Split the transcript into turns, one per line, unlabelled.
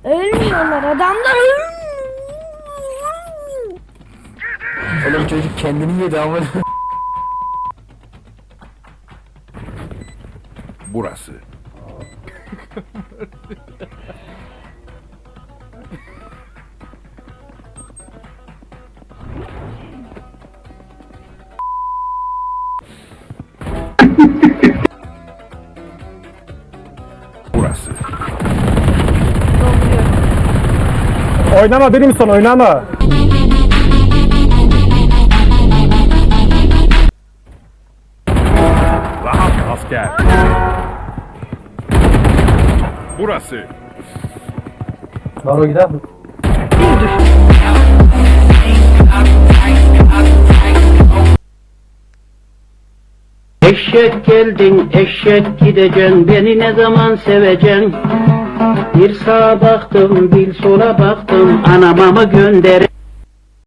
Ölmüyorlar adamlar.
Oğlum çocuk kendini yedi ama.
Burası. Burası.
Oynama benim son oynama.
Rahat asker. Burası.
Baro gider mi?
Eşek geldin, eşek gideceksin, beni ne zaman seveceksin? Bir sağa baktım, bir sola baktım, anama mı gönder?